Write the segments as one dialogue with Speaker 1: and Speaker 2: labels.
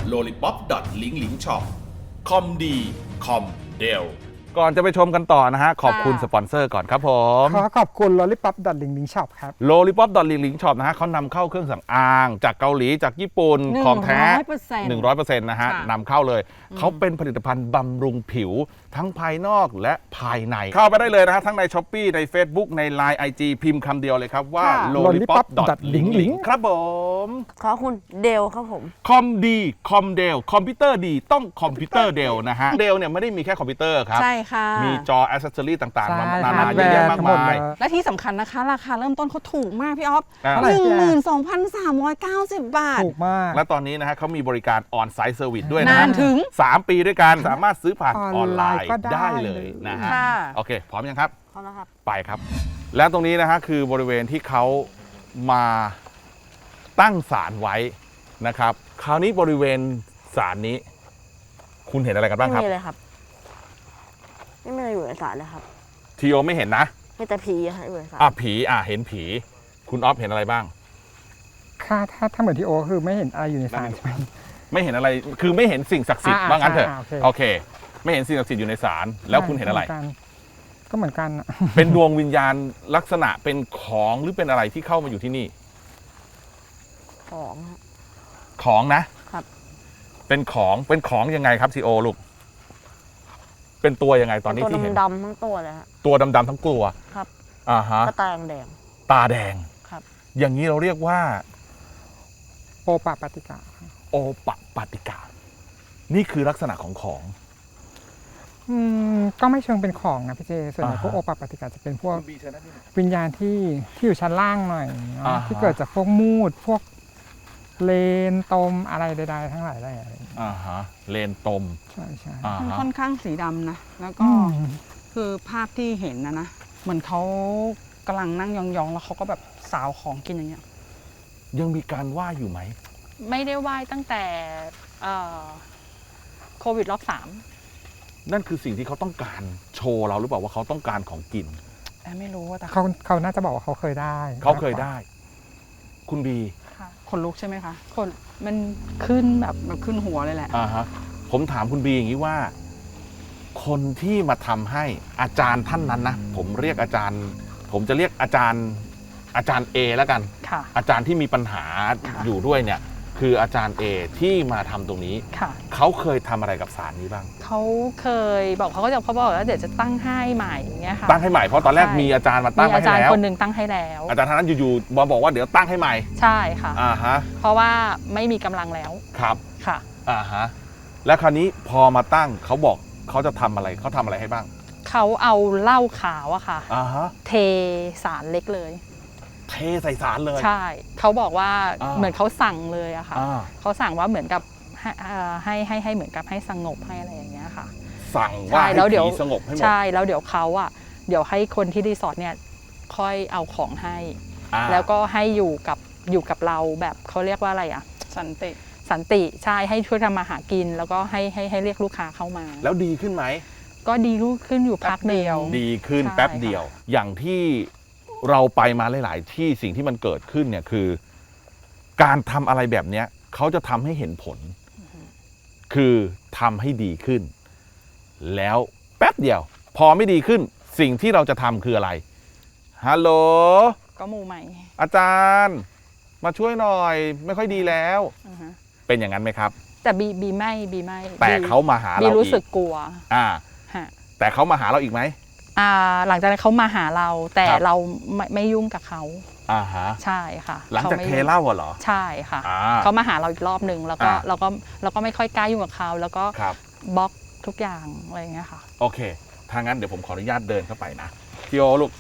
Speaker 1: lollipop.linklingshop คอมดีคอมเดล
Speaker 2: ก่อนจะไปชมกันต่อนะฮะขอบคุณสปอนเซอร์ก่อนครับผม
Speaker 3: ขอบคุณ lollipop.linklingshop ครับ
Speaker 2: lollipop.linklingshop นะฮะเขานำเข้าเครื่องสำอางจากเกาหลีจากญี่ปุ่นของแท้ 100% นะฮะนำเข้าเลยเขาเป็นผลิตภัณฑ์บำรุงผิวทั้งภายนอกและภายในเข้าไปได้เลยนะฮะทั้งใน Shopee ใน Facebook ใน Line IG พิมพ์คำเดียวเลยครับว่า lollipop.linklingshop ครับผม
Speaker 4: ขอบคุณเดลครับผม
Speaker 2: คอมดีคอมเดลคอมพิวเตอร์ดีต้องคอมพิวเตอร์เดลนะฮะเดลเนี่ยไม่ได้มีแค่คอมพิวเตอร์ครับ
Speaker 4: ใช่ค่ะ
Speaker 2: มีจอแอสเซสซอรี่ต่างๆ
Speaker 3: ใช่
Speaker 2: นานาเยอะแยะมากมาย
Speaker 5: และที่สำคัญนะคะ ราคาเริ่มต้นเขาถูกมากพี่อ๊อฟ
Speaker 2: อ่า
Speaker 5: 12,390 บาท
Speaker 3: ถูกมาก
Speaker 2: และตอนนี้นะฮะเขามีบริการออนไซต์เซอร์วิสด้วยนะ
Speaker 5: นานถึง
Speaker 2: 3 ปีด้วยกันสามารถซื้อผ่านออนไลน์
Speaker 3: ก็ได้
Speaker 2: ได้เลยนะฮะ
Speaker 5: ค่ะ
Speaker 2: โอเค พร้อมยังครับ
Speaker 4: พร้อมแล้วครับ
Speaker 2: ไปครับ แล้วตรงนี้นะฮะคือบริเวณที่เขามาตั้งศาลไว้นะครับคราวนี้บริเวณศาลนี้ คุณเห็นอะไรกันบ้างครับ
Speaker 4: ไม่มีเลยครับ ไม่มีอะไรอยู่ในศาลเลยครับ
Speaker 2: ทีโอไม่เห็นนะ
Speaker 4: มีแต่ผีอะอยู่ในศาล
Speaker 2: ผีเห็นผี คุณออฟเห็นอะไรบ้าง
Speaker 3: ถ้าเหมือนที่โอคือไม่เห็นอะไรอยู่ในศาลใช่ไหม
Speaker 2: ไม่เห็นอะไรคือไม่เห็นสิ่งศักดิ์สิทธิ์ว่างั้นเถอะ
Speaker 3: โอเค
Speaker 2: โอเค ไม่เห็นสิ่งศักดิ์สิทธิ์อยู่ในศาลแล้วคุณเห็นอะไร
Speaker 3: ก็เหมือนกันอะ
Speaker 2: เป็นดวงวิญญาณลักษณะเป็นของหรือเป็นอะไรที่เข้ามาอยู่ที่นี่
Speaker 4: ของฮะ
Speaker 2: ของนะครับ เป็นของยังไงครับซีโอลูกเป็นตัวยังไงตอนนี้
Speaker 4: ตัว
Speaker 2: ที่เห็น
Speaker 4: ดำๆทั้งตัวเลยฮะ
Speaker 2: ตัวดำๆทั้งตัว
Speaker 4: ครับ
Speaker 2: ฮะ
Speaker 4: ก็ตาแดง
Speaker 2: ตาแดง
Speaker 4: ครับ
Speaker 2: อย่างนี้เราเรียกว่า
Speaker 3: โอปะปฏิกา
Speaker 2: โอปะปาติกา นี่คือลักษณะของของ
Speaker 3: ก็ไม่เชิงเป็นของนะพี่เจส่วนใหญ่พวกโอปะปฏิกาจะเป็นพวกวิญญาณที่อยู่ชั้นล่างหน่อยเนอะที่เกิดจากพวกมูดพวกเลนตมอะไรใดๆทั้งหลายอะไรอย่างเงี้ย
Speaker 2: เลนตม
Speaker 3: ใช่ใช่
Speaker 5: มันค่อนข้างสีดำนะ แล้วก็คือภาพที่เห็นนะเหมือนเขากำลังนั่งยองๆ แล้วเขาก็แบบสาวของกินอย่างเงี้ย
Speaker 2: ยังมีการไหว้อยู่ไหม
Speaker 6: ไม่ได้ไหว้ตั้งแต่โควิดรอบ
Speaker 2: นั่นคือสิ่งที่เขาต้องการโชว์เราหรือเปล่าว่าเขาต้องการของกิน
Speaker 5: ไม่รู้ว่าแต่
Speaker 3: เขาน่าจะบอกว่าเขาเคยได้
Speaker 2: เขาเคยได้ คุณบี
Speaker 5: ขนลุกใช่ไหมคะคนมันขึ้นแบบขึ้นหัวเลยแหละ
Speaker 2: ผมถามคุณบีอย่างนี้ว่า คนที่มาทำให้อาจารย์ท่านนั้นนะผมเรียกอาจารย์ ผมจะเรียกอาจารย์เอแล้วกัน
Speaker 5: ค่ะ
Speaker 2: อาจารย์ที่มีปัญหา
Speaker 5: ค่ะ
Speaker 2: อยู่ด้วยเนี่ย คืออาจารย์เอที่มาทำตรงนี้
Speaker 5: ค่ะ
Speaker 2: เขาเคยทำอะไรกับศาลนี้บ้าง
Speaker 6: เขาเคยบอกเขาบอกว่าเดี๋ยวจะตั้งให้ใหม่อย่างเงี้ยค่ะ
Speaker 2: ตั้งให้ใหม่เพราะตอนแรก
Speaker 6: ใช่
Speaker 2: มีอาจารย์มาตั้ง
Speaker 6: มี
Speaker 2: ไว้
Speaker 6: อา
Speaker 2: ให้
Speaker 6: จารย์
Speaker 2: แล้ว
Speaker 6: คนหนึ่งตั้งให้แล้ว
Speaker 2: อาจารย์ท่านนั้นอยู่ๆบอกว่าเดี๋ยวตั้งให้ใหม่
Speaker 6: ใช่ค่ะ เพราะว่าไม่มีกำลังแล้ว
Speaker 2: ครับ
Speaker 6: ค่ะ
Speaker 2: แล้วคราวนี้พอมาตั้งเขาบอกเขาจะทำอะไรเขาทำอะไรให้บ้าง
Speaker 6: เขาเอาเหล้าขาวอะค่ะ เทสารเล็กเลย
Speaker 2: เทใส่ศาลเลย
Speaker 6: ใช่เขาบอกว่า
Speaker 2: อ่า
Speaker 6: เหมือนเขาสั่งเลยอะค่ะ
Speaker 2: อ่า
Speaker 6: เขาสั่งว่าเหมือนกับให้เหมือนกับให้สงบให้อะไรอย่างเงี้ยค่ะ
Speaker 2: สั่งว่า
Speaker 6: ใช่
Speaker 2: ให้
Speaker 6: แล้วเดี๋ยว
Speaker 2: ผีสงบให้หมด
Speaker 6: ใช่แล้วเดี๋ยวเขาอะเดี๋ยวให้คนที่รีสอร์ทเนี่ยค่อยเอาของให้ แล้วก็ให้อยู่กับเราแบบเขาเรียกว่าอะไรอะ
Speaker 5: สันติ
Speaker 6: สันติใช่ให้ช่วยทำมาหากิน แล้วก็ให้เรียกลูกค้าเข้ามา
Speaker 2: แล้วดีขึ้นไหม
Speaker 6: ก็ดีรุ่งขึ้นอยู่พักเดียว
Speaker 2: ดีขึ้น
Speaker 6: ใช่
Speaker 2: แป๊บเดียว อย่างที่เราไปมาหลาย ๆ ที่สิ่งที่มันเกิดขึ้นเนี่ยคือ การทำอะไรแบบเนี้ยเขาจะทำให้เห็นผล คือทำให้ดีขึ้น แล้วแป๊บเดียว พอไม่ดีขึ้น สิ่งที่เราจะทำคืออะไรฮัลโหล
Speaker 6: ก็มูใหม่
Speaker 2: อาจารย์ มาช่วยหน่อย ไม่ค่อยดีแล้ว
Speaker 6: อือฮะ
Speaker 2: เป็นอย่างนั้นไหมครับ
Speaker 6: แต่บีไม่
Speaker 2: แต่เขามาหา
Speaker 6: บี
Speaker 2: เรา
Speaker 6: รู้
Speaker 2: อี
Speaker 6: สึก
Speaker 2: ก
Speaker 6: กลัว ฮะ
Speaker 2: แต่เขามาหาเราอีกไหม
Speaker 6: หลังจากนั้นเขามาหาเรา แต่
Speaker 2: ครับ
Speaker 6: เราไม่ยุ่งกับเขา ใช่ค่ะ
Speaker 2: หลังจาก
Speaker 6: ขไม่
Speaker 2: เท
Speaker 6: ยุ่ง
Speaker 2: เหล้าเหรอ
Speaker 6: ใช่ค่ะ เขามาหาเราอีกรอบหนึ่งแล้วก็เราก็ไม่ค่อยกล้ายุ่งกับเขาแล้วก็
Speaker 2: ครับ
Speaker 6: บล็อกทุกอย่างอะไรอย่างเงี้ยค่ะ
Speaker 2: โอเค ถ้างั้นเดี๋ยวผมขออนุญาตเดินเข้าไปนะพี่โอลูก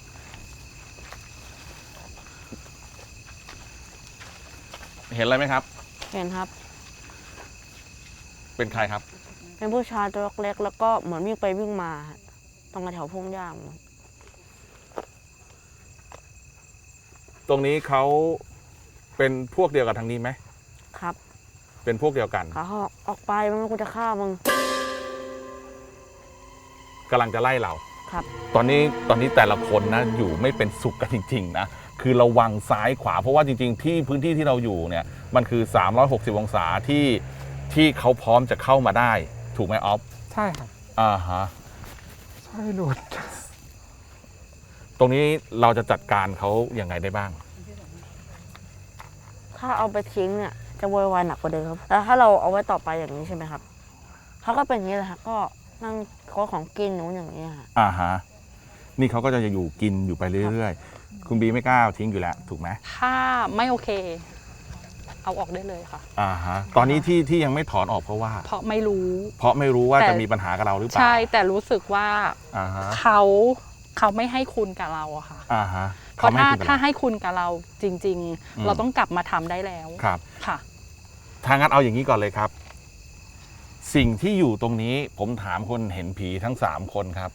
Speaker 2: เห็นอะไรไหมครับ
Speaker 4: เห็นครับ
Speaker 2: เป็นใครครับ
Speaker 4: เป็นผู้ชายตัวเล็กๆแล้วก็เหมือนวิ่งไปวิ่งมาตรงแถวพงหญ้า
Speaker 2: ตรงนี้เขาเป็นพวกเดียวกับทางนี้ไหม
Speaker 4: ครับ
Speaker 2: เป็นพวกเดียวกัน
Speaker 4: ขาออกไปมันกูจะฆ่ามึง
Speaker 2: กำลังจะไล่เรา
Speaker 4: ครับ
Speaker 2: ตอนนี้แต่ละคนนะอยู่ไม่เป็นสุขกันจริงๆนะ คือระวังซ้ายขวาเพราะว่าจริงๆที่พื้นที่ที่เราอยู่เนี่ยมันคือ360องศาที่ที่เขาพร้อมจะเข้ามาได้ถูกไหมออฟ
Speaker 3: ใช่ครับ
Speaker 2: อ่าฮะ
Speaker 3: ใช่หลุด
Speaker 2: ตรงนี้เราจะจัดการเขายังไงได้บ้าง
Speaker 4: ถ้าเอาไปทิ้งเนี่ยจะโวยวายหนักกว่าเดิมครับแล้วถ้าเราเอาไว้ต่อไปอย่างนี้ใช่ไหมครับเขาก็เป็นอย่างนี้แหละครับก็นั่งขอของกินหนูอย่างนี้ค่ะ
Speaker 2: อ่าฮะนี่เขาก็จะอยู่กินอยู่ไปเรื่อยๆ คุณบีไม่กล้าเอาทิ้งอยู่แล้วถูกไหม
Speaker 6: ถ้าไม่โอเค เอาออกได้เลยค่ะ
Speaker 2: อ่าฮะตอนนี้ที่ยังไม่ถอนออกเพราะว่า
Speaker 6: เพราะไม่รู้
Speaker 2: เพราะไม่รู้ว่า
Speaker 6: แต่
Speaker 2: จะมีปัญหากับเราหรือเปล่า
Speaker 6: ใช่แต่รู้สึกว่า
Speaker 2: อ่าฮะ
Speaker 6: เขาไม่ให้คุณกับเราอะค่ะ
Speaker 2: อ่าฮะ
Speaker 6: เพราะ
Speaker 2: ไม่
Speaker 6: ถ้า
Speaker 2: คุณ
Speaker 6: ให้คุณกับเราจริง
Speaker 2: อืม
Speaker 6: ๆ เราต้องกลับมาทำได้แล้ว
Speaker 2: ครับ
Speaker 6: ค่ะ
Speaker 2: ถ้างั้นเอาอย่างนี้ก่อนเลยครับ สิ่งที่อยู่ตรงนี้ผมถามคนเห็นผีทั้ง3คนครับ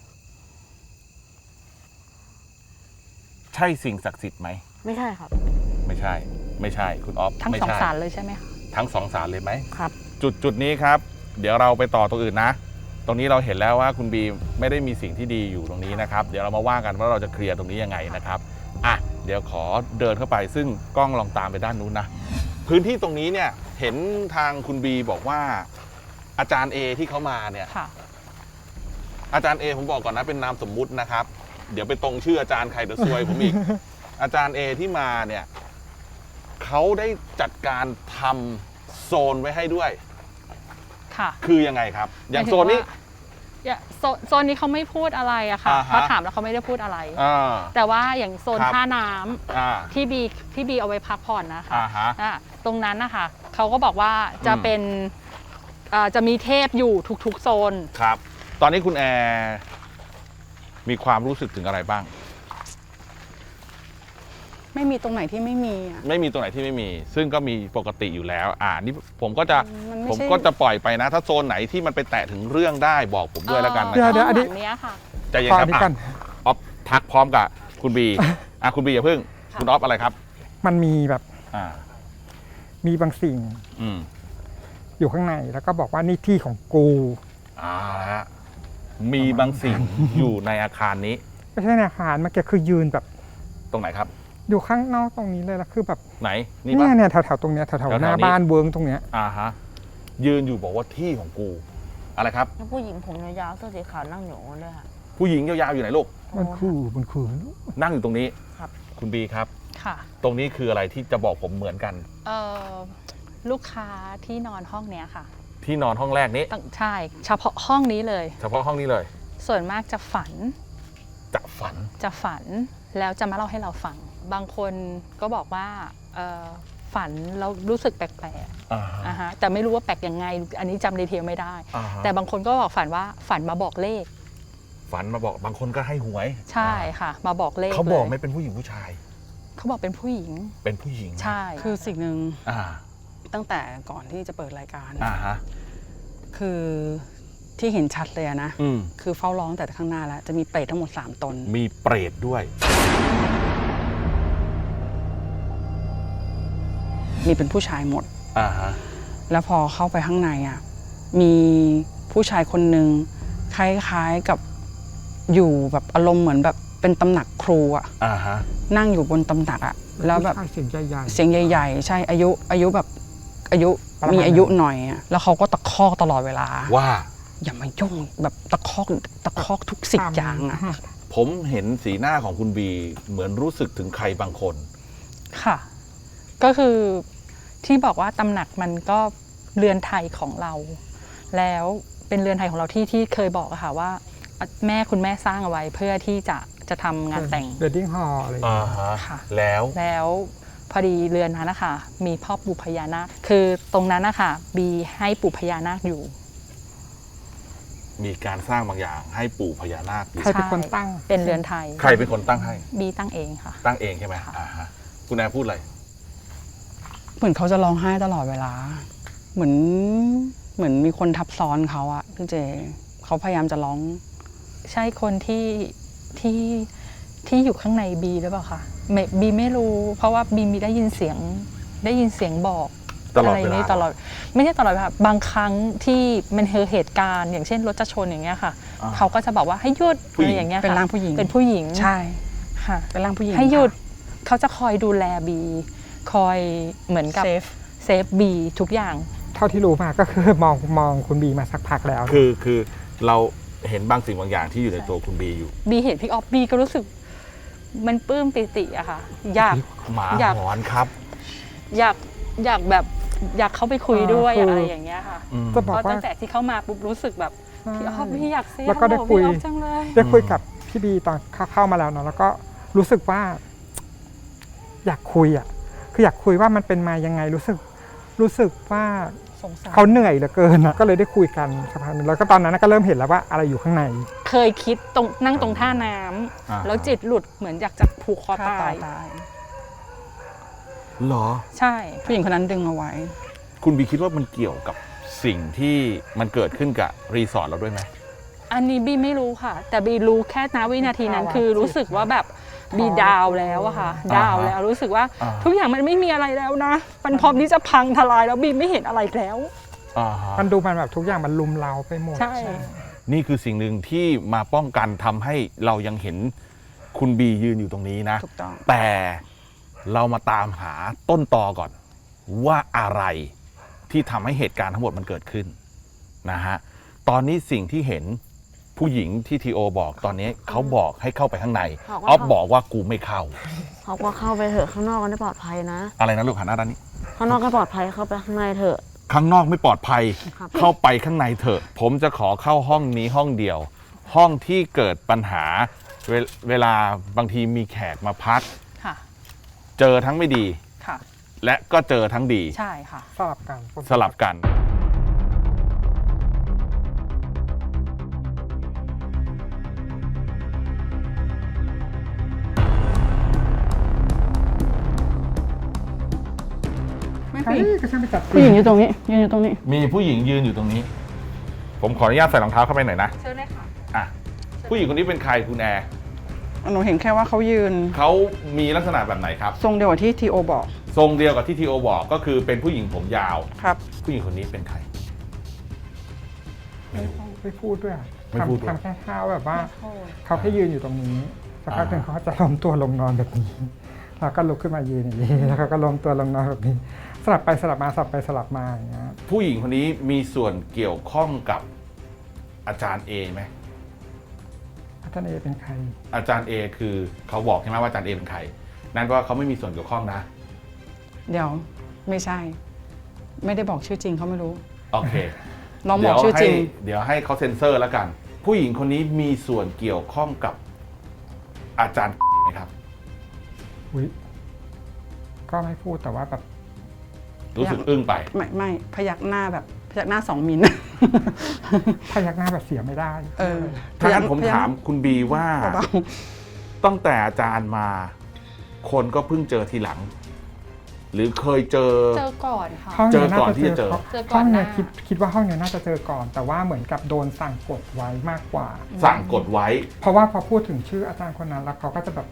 Speaker 2: ใช่สิ่งศักดิ์สิทธิ์ไหม
Speaker 4: ไม่ใช่ครับ
Speaker 2: ไม่ใช่ ไม่ใช่คุณออฟ
Speaker 6: ทั้ง
Speaker 2: ไม่
Speaker 6: สอง
Speaker 2: ใช่
Speaker 6: สารเลยใช่ไหมคะ
Speaker 2: ทั้งสองสารเลยไหม
Speaker 4: ครับ
Speaker 2: จุดนี้ครับ เดี๋ยวเราไปต่อตรงอื่นนะ ตรงนี้เราเห็นแล้วว่าคุณบีไม่ได้มีสิ่งที่ดีอยู่ตรงนี้นะครับ เดี๋ยวเรามาว่ากันว่าเราจะเคลียร์ตรงนี้ยังไงนะครับอ่ะเดี๋ยวขอเดินเข้าไปซึ่งกล้องลองตามไปด้านนู้นนะพื้นที่ตรงนี้เนี่ยเห็นทางคุณบีบอกว่า อาจารย์เอที่เขามาเนี่ย
Speaker 6: ค่ะ
Speaker 2: อาจารย์เอผมบอกก่อนนะเป็นนามสมมุตินะครับ เดี๋ยวไปตรงชื่ออาจารย์ใครเดี๋ยวซวยผมอีก อาจารย์เอที่มาเนี่ยเขาได้จัดการทำโซนไว้ให้ด้วย
Speaker 6: ค่ะ
Speaker 2: คือยังไงครับ อย่างโซนนี้
Speaker 6: โซนนี้เขาไม่พูดอะไรอะค่ะ
Speaker 2: อ่าฮะ
Speaker 6: เพราะถามแล้วเขาไม่ได้พูดอะไร
Speaker 2: อ่า
Speaker 6: แต่ว่าอย่างโซน
Speaker 2: ครับ
Speaker 6: ท่าน้ำ
Speaker 2: อ่า
Speaker 6: ที่บีเอาไว้พักผ่อนนะคะ
Speaker 2: อ่าฮะ
Speaker 6: ตรงนั้นนะคะเขาก็บอกว่าจะเป็นจะมีเทพอยู่ทุกๆโซน
Speaker 2: ครับ ตอนนี้คุณแอร์มีความรู้สึกถึงอะไรบ้าง
Speaker 5: ไม่มีตรงไหนที่ไม่มีอ่ะ
Speaker 2: ไม่มีตัวไหนที่ไม่มี ซึ่งก็มีปกติอยู่แล้วนี่ผมก็จะ
Speaker 5: มันไม่
Speaker 2: ผม
Speaker 5: ใช่
Speaker 2: ก็จะปล่อยไปนะ ถ้าโซนไหนที่มันไปแตะถึงเรื่องได้บอกผมด้วยแล้วกันนะ
Speaker 3: เดี๋
Speaker 2: ค
Speaker 3: ยว
Speaker 2: รับ
Speaker 3: เดี๋ยวอันนี้
Speaker 6: ข้างหลังเนี้ยค่ะ
Speaker 2: ใจเย็น
Speaker 3: ขอ
Speaker 2: ค
Speaker 3: อั
Speaker 2: รับ
Speaker 3: นนี้กัน
Speaker 2: ออฟทักพร้อมกับคุณบีคุณบีอย่าเพิ่ง คุณออฟอะไรครับ
Speaker 3: มันมีแบบ
Speaker 2: อ่า
Speaker 3: มีบางสิ่ง
Speaker 2: อืม
Speaker 3: อยู่ข้างในแล้วก็บอกว่านี่ที่ของกู
Speaker 2: ฮะมีบางสิ่งอยู่ในอาคารนี้
Speaker 3: ไม่ใช่ในอาคารเมื่อกี้คือยืนแบบ
Speaker 2: ตรงไหนครับ
Speaker 3: อยู่ข้างนอกตรงนี้เลยแล้วคือแบบ
Speaker 2: ไหนนี่
Speaker 3: เนี่
Speaker 2: ปะ
Speaker 3: ยเนี่ยแถวๆตรงเนี้ยแถว
Speaker 2: แถว
Speaker 3: ๆ
Speaker 2: ๆ
Speaker 3: หน้า
Speaker 2: นี้
Speaker 3: บ้านเวิร์งตรงเนี้ย
Speaker 2: ฮะยืนอยู่บอกว่าที่ของกูอะไรครับ
Speaker 4: แล้วผู้หญิงผมยาวๆเสื้อสีขาวนั่งอยู่นั่นด้วยค่ะ
Speaker 2: ผู้หญิงยาวๆอยู่ไหนลูก
Speaker 3: มันคือ
Speaker 2: นั่งอยู่ตรงนี้
Speaker 4: ครับ
Speaker 2: คุณบีครับ
Speaker 6: ค่ะ
Speaker 2: ตรงนี้คืออะไรที่จะบอกผมเหมือนกัน
Speaker 6: ลูกค้าที่นอนห้องเนี้ยค่ะ
Speaker 2: ที่นอนห้องแรกนี้
Speaker 6: ใช่เฉพาะห้องนี้เลย
Speaker 2: เฉพาะห้องนี้เลย
Speaker 6: ส่วนมากจะฝัน
Speaker 2: จะฝัน
Speaker 6: แล้วจะมาเล่าให้เราฟัง บางคนก็บอกว่าฝันแล้วรู้สึกแปลก
Speaker 2: อ่า
Speaker 6: ๆฮะแต่ไม่รู้ว่าแปลกยังไง อันนี้จำดีเทลไม่ได้
Speaker 2: อ่าฮะ
Speaker 6: แต่บางคนก็บอกฝันว่าฝันมาบอกเลข
Speaker 2: ฝันมาบอกบางคนก็ให้หวย
Speaker 6: ใช่ค่ะ มาบอกเลข
Speaker 2: เขาบอก
Speaker 6: ลย
Speaker 2: ไม่เป็นผู้หญิงผู้ชาย
Speaker 6: เขาบอกเป็นผู้หญิง
Speaker 2: เป็นผู้หญิง
Speaker 6: ใช่
Speaker 5: คือสิ่งหนึ่ง
Speaker 2: อ่า
Speaker 5: ตั้งแต่ก่อนที่จะเปิดรายการ
Speaker 2: อ่าฮะ
Speaker 5: คือที่เห็นชัดเลยอะนะ
Speaker 2: อืม
Speaker 5: คือเฝ้าร้องแต่ข้างหน้าแล้ว จะมีเปรตทั้งหมด 3 ตน
Speaker 2: มีเปรตด้วย
Speaker 5: มีเป็นผู้ชายหมด
Speaker 2: อ่าฮะ
Speaker 5: แล้วพอเข้าไปข้างในอ่ะ มีผู้ชายคนหนึ่งคล้ายๆกับอยู่แบบอารมณ์เหมือนแบบเป็นตำหนักครูอ่ะ
Speaker 2: อ่าฮะ
Speaker 5: นั่งอยู่บนตำหนักอ่ะ แล้วแบบ
Speaker 3: ผู้ชายเสียงใหญ่
Speaker 5: เสียงใหญ่ๆ ใช่อายุแบบอายุ
Speaker 3: ประมาณ
Speaker 5: มีอายุหน่อยอ่ะ แล้วเขาก็ตะคอกตลอดเวลา
Speaker 2: ว่า
Speaker 5: อย่ามายุ่งแบบตะคอกทุกสิ่งอย่างอ่ะ
Speaker 2: ผมเห็นสีหน้าของคุณบีเหมือนรู้สึกถึงใครบางคน
Speaker 6: ค่ะ ก็คือที่บอกว่าตำหนักมันก็เรือนไทยของเรา แล้วเป็นเรือนไทยของเราที่เคยบอกอะค่ะว่าคุณแม่สร้างเอาไว้เพื่อที่จะทำงานแต่ง
Speaker 3: เวดดิ้งฮอลอะไรอย่าง
Speaker 2: อ่า
Speaker 3: เงี้ย
Speaker 2: ฮะ
Speaker 6: ค่ะ
Speaker 2: แล้ว
Speaker 6: แล้วพอดีเรือนนั้นนะคะมีพ่อปู่พญานาคคือตรงนั้นนะคะบีให้ปู่พญานาคอยู่
Speaker 2: มีการสร้างบางอย่างให้ปู่พญานาคอยู่
Speaker 3: ใครเป็นคนตั้ง
Speaker 6: เป็นเรือนไทย
Speaker 2: ใครเป็นคนตั้งให้
Speaker 6: บีตั้งเองค่ะ
Speaker 2: ตั้งเองใช่ไหม
Speaker 6: ค่ะ
Speaker 2: อ่าฮะ คุณแอร์พูดอะไร
Speaker 5: เหมือนเขาจะร้องไห้ตลอดเวลา เหมือนมีคนทับซ้อนเขาอะพี่เจเขาพยายามจะร้อง
Speaker 6: ใช่คนที่อยู่ข้างในบีหรือเปล่าคะบีไม่รู้เพราะว่าบีมีได้ยินเสียงบอก
Speaker 2: ตลอด
Speaker 6: อะไร
Speaker 2: เวลา
Speaker 6: นี้ตลอดไม่ใช่ตลอดค่ะบางครั้งที่มันเหตุการณ์ อย่างเช่นรถจะชนอย่างเงี้ยค่ะ
Speaker 2: อ่า
Speaker 6: เขาก็จะบอกว่าให้หยุด
Speaker 2: ผู้
Speaker 6: อะ
Speaker 2: หญิ
Speaker 6: ไรง อย่างเงี้ยค่ะ
Speaker 5: เป็นร่างผู้หญิง
Speaker 6: เป็นผู้หญิง
Speaker 5: ใช่
Speaker 6: ค่ะ
Speaker 5: เป็นร่างผู้หญิง
Speaker 6: ให้หยุด
Speaker 5: ค่ะ
Speaker 6: เขาจะคอยดูแลบีคอยเหมือนกับ
Speaker 5: เซฟ
Speaker 6: เซฟบีทุกอย่าง
Speaker 3: เท่าที่รู้มาก็คือมองคุณบีมาสักพักแล้ว
Speaker 2: คือเราเห็นบางสิ่งบางอย่างที่อยู่ในตัวคุณบีอยู่
Speaker 6: บีเห็นพี่ออฟบีก็รู้สึกมันปลื้มปิติอะค่ะ อยาก
Speaker 2: หมา
Speaker 6: อยาก
Speaker 2: หอนครับ
Speaker 6: อยากแบบอยากเข้าไปคุยด้วยอะไรอย่างเงี้ยค่ะ
Speaker 3: จะบ
Speaker 6: เพ
Speaker 3: อก
Speaker 6: ราะ
Speaker 3: ว่า
Speaker 6: ตั้งแต่ที่เข้ามาปุ๊บรู้สึกแบบพี่ออฟพี่อยากเซ
Speaker 3: แล้วก็ได้คุย
Speaker 6: พี่ออฟจังเลย
Speaker 3: ได้คุยกับพี่บีตอนเข้ามาแล้วเนาะแล้วก็รู้สึกว่า อยากคุยอ่ะคืออยากคุยว่ามันเป็นมายังไงรู้สึกว่า
Speaker 6: สงสาร
Speaker 3: เขาเหนื่อยเหลือเกินอะก็เลยได้คุยกันสักพักหนึงแล้วก็ตอนนั้นก็เริ่มเห็นแล้วว่าอะไรอยู่ข้างใน
Speaker 6: เคยคิดนั่งตรงท่าน้ำ
Speaker 2: อ่า
Speaker 6: แล้วจิตหลุดเหมือนอยากจะผูกคอ
Speaker 5: ฆ่า
Speaker 6: ตา
Speaker 5: ตาย
Speaker 6: ย
Speaker 5: ตาย
Speaker 2: เหรอ
Speaker 6: ใช่
Speaker 5: ผู้หญิงคนนั้นดึงเอาไว้
Speaker 2: คุณบีคิดว่ามันเกี่ยวกับสิ่งที่มันเกิดขึ้นกับรีสอร์ทเราด้วยไหม
Speaker 6: อันนี้บีไม่รู้ค่ะ แต่บีรู้แค่ณวินาทีนั้นคือรู้สึกว่าแบบบีดาวแล้วอะค่ะ ดาวแล้วรู้สึกว่า
Speaker 2: อ่า
Speaker 6: ทุกอย่างมันไม่มีอะไรแล้วนะ มันพร้อมที่จะพังทลายแล้วบีไม่เห็นอะไรแล้ว
Speaker 2: อ่าฮะ
Speaker 3: มันดูมันแบบทุกอย่างมันลุมเราไปหมด
Speaker 6: ใช่
Speaker 2: นี่คือสิ่งหนึ่งที่มาป้องกันทำให้เรายังเห็นคุณบียืนอยู่ตรงนี้นะ
Speaker 5: ถูกต้อง
Speaker 2: แต่เรามาตามหาต้นตอก่อน ว่าอะไรที่ทำให้เหตุการณ์ทั้งหมดมันเกิดขึ้นนะฮะตอนนี้สิ่งที่เห็นผู้หญิงที่ทีโอบอกตอนนี้เขาบอกให้เข้าไปข้างในออฟบอกว่ากูไม่เข้า
Speaker 4: เขาก็เข้าไปเถอะข้างนอกก็ได้ปลอดภัยนะ
Speaker 2: อะไรนะลูกหันหน้าด้านนี้
Speaker 4: ข้างนอกก็ปลอดภัยเข้าไปข้างในเถอะ
Speaker 2: ข้างนอกไม่ปลอดภัย
Speaker 4: ครับ
Speaker 2: เข้าไปข้างในเถอะ ผมจะขอเข้าห้องนี้ห้องเดียว ห้องที่เกิดปัญหาเวลาบางทีมีแขกมาพัก
Speaker 6: ค่ะ
Speaker 2: เจอทั้งไม่ดี
Speaker 6: ค่ะ
Speaker 2: และก็เจอทั้งดี
Speaker 6: ใช่ค่ะ
Speaker 3: สลับกัน
Speaker 2: สลับกัน
Speaker 5: ไม่
Speaker 3: เฮ้
Speaker 5: ผู้หญิง
Speaker 3: ยก็ช่างไปจัด
Speaker 5: ผู้หญิงอยู่ตรงนี้ยืนอยู่ตรงนี้
Speaker 2: มีผู้หญิงยืนอยู่ตรงนี้ ผมขออนุญาตใส่รองเท้าเข้าไปหน่อยนะ
Speaker 6: เชิญเลยค่ะ
Speaker 2: อ่ะผู้หญิงคนนี้เป็นใครคุณแอร์
Speaker 5: หนูเห็นแค่ว่าเขายืน
Speaker 2: เขามีลักษณะแบบไหนครับ
Speaker 5: ทรงเดียวกับที่ทีโอบอก
Speaker 2: ทรงเดียวกับที่ทีโอบอกก็คือเป็นผู้หญิงผมยาว
Speaker 5: ครับ
Speaker 2: ผู้หญิงคนนี้เป็นใคร
Speaker 3: ไม่พูดด้วยอะ
Speaker 2: ไม่พูดด้วย
Speaker 3: ทำแค่ท่าแบบว่าเขาแค่ยืนอยู่ตรงนี้สักพักหนึ่งเขาก็จะล้มตัวลงนอนแบบนี้แล้วก็ลุกขึ้นมายืนอย่างนี้แล้วเขาก็ล้มตัวลงนอนแบบนี้ สลับไปสลับมาสลับไปสลับมาอย่างเงี้ย
Speaker 2: ผู้หญิงคนนี้มีส่วนเกี่ยวข้องกับอาจารย์เอไหม
Speaker 3: อาจารย์เอเป็นใคร
Speaker 2: อาจารย์เอคือเขาบอกใช่ไหมว่าอาจารย์เอเป็นใคร นั่นก็เขาไม่มีส่วนเกี่ยวข้องนะ
Speaker 5: เดี๋ยวไม่ใช่ ไม่ได้บอกชื่อจริงเขาไม่รู้
Speaker 2: โอเค
Speaker 5: ลองบอกชื่อจริง
Speaker 2: เดี๋ยวให้เขาเซ็นเซอร์แล้วกัน ผู้หญิงคนนี้มีส่วนเกี่ยวข้องกับอาจารย์ไหมครับ
Speaker 3: อุ้ยก็ไม่พูดแต่ว่าแบบ
Speaker 2: รู้สึกอึ้งไป
Speaker 5: ไม่พยักหน้าแบบพยักหน้า2 มิล
Speaker 3: พยักหน้าแบบเสียไม่ได้
Speaker 5: เออ
Speaker 2: ถ้างั้นผมถามคุณบีว่า
Speaker 5: เบา
Speaker 2: ตั้งแต่อาจารย์มา คนก็เพิ่งเจอทีหลัง หรือเคยเจอ
Speaker 6: เจอก่อนค่ะ
Speaker 3: ห้องเนี้ย
Speaker 2: เจอก่อน
Speaker 3: น่าจะ
Speaker 2: ที่จะเจอ
Speaker 6: เจอก่
Speaker 3: ห้
Speaker 6: อ
Speaker 3: อน ง
Speaker 6: ห
Speaker 3: เนี้
Speaker 6: น้า
Speaker 3: ยคิดว่าห้องเนี้ยน่าจะเจอก่อน แต่ว่าเหมือนกับโดนสั่งกดไว้มากกว่า
Speaker 2: สั่งกดไว้
Speaker 3: เพราะว่าพอพูดถึงชื่ออาจารย์คนนั้นแล้วเขาก็จะแบบ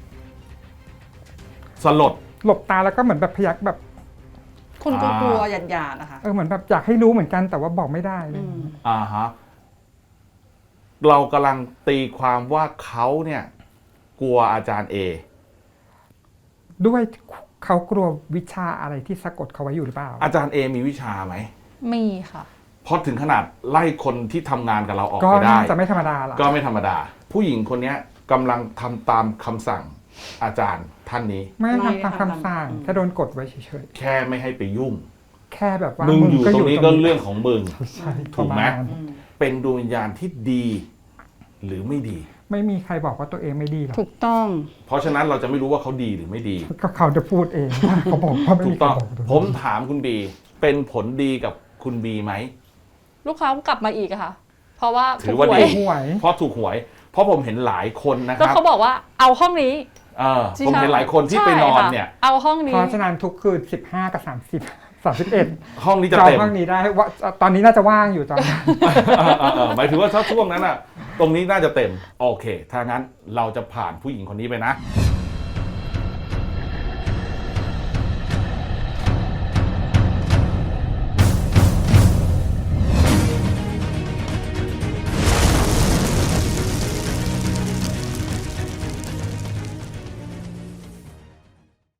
Speaker 2: สลด
Speaker 3: หลบตาแล้วก็เหมือนแบบพยักแบบ
Speaker 5: ๆคุณกลัวๆหยาดๆนะคะ
Speaker 3: เหมือนแบบอยากให้รู้เหมือนกันแต่ว่าบอกไม่ได้เลย
Speaker 2: อ่าฮะ เรากำลังตีความว่าเขาเนี่ย กลัวอาจารย์เอ
Speaker 3: ด้วยเขากลัววิชาอะไรที่สะกดเขาไว้อยู่หรือเปล่า
Speaker 2: อาจารย์เอมีวิชาไหม
Speaker 6: มีค่ะ
Speaker 2: เพราะถึงขนาดไล่คนที่ทำงานกับเราออก
Speaker 3: ก็
Speaker 2: ไปได้
Speaker 3: น่าจะไม่ธรรมดาล่ะ
Speaker 2: ก็ไม่ธรรมดา ผู้หญิงคนเนี้ยกำลังทำตามคำสั่งอาจารย์ท่านนี้
Speaker 3: ไม่
Speaker 5: ไม่
Speaker 3: ทำตามคำสั่งแค่โดนกดไว้เฉย
Speaker 2: แค่ไม่ให้ไปยุ่ง
Speaker 3: ๆแค่แบบว่า
Speaker 2: มึ
Speaker 3: มึ
Speaker 2: งอยู่ตรงนี้ก็เรื่องของมึง
Speaker 3: ใช่
Speaker 2: ถูกไหม
Speaker 3: ประาณ
Speaker 2: เป็นดวงวิญญาณที่ดี หรือไม่ดี
Speaker 3: ไม่มีใครบอกว่าตัวเองไม่ดีหรอก
Speaker 5: ถูกต้อง
Speaker 2: เพราะฉะนั้นเราจะไม่รู้ว่าเขาดีหรือไม่ดี
Speaker 3: ก็เขาจะพูดเองว่าเขาบอกว่าไม่
Speaker 2: ถู
Speaker 3: มี
Speaker 2: ก
Speaker 3: ใคร
Speaker 2: ต้อง
Speaker 3: บอกตัวเอง
Speaker 2: ผมถามคุณบี เป็นผลดีกับคุณบีไหม
Speaker 6: ลูกค้ากลับมาอีกอะค่ะ เพราะว่า
Speaker 2: ถือว่า
Speaker 6: ถูกห
Speaker 2: ดี
Speaker 6: ย
Speaker 3: ห่วย
Speaker 2: เพราะถูกหวย เพราะผมเห็นหลายคนนะค
Speaker 6: แล้ว
Speaker 2: รับ
Speaker 6: เขาบอกว่าเอาห้องนี้
Speaker 2: ผมเห็นหลายคนที่ไปนอนเนี่ย
Speaker 6: ใช่ค่ะเอาห้องนี้
Speaker 3: เพราะฉะนั้นทุกคืน15 กับ 30 31
Speaker 2: ห้องนี้จะ
Speaker 3: จอง
Speaker 2: เต็ม
Speaker 3: ห้องนี้ได้ว่าตอนนี้น่าจะว่างอยู่ตอนนี้
Speaker 2: หมายถึงว่าถ้าช่วงนั้นอะตรงนี้น่าจะเต็ม โอเค ถ้างั้นเราจะผ่านผู้หญิงคนนี้ไปนะ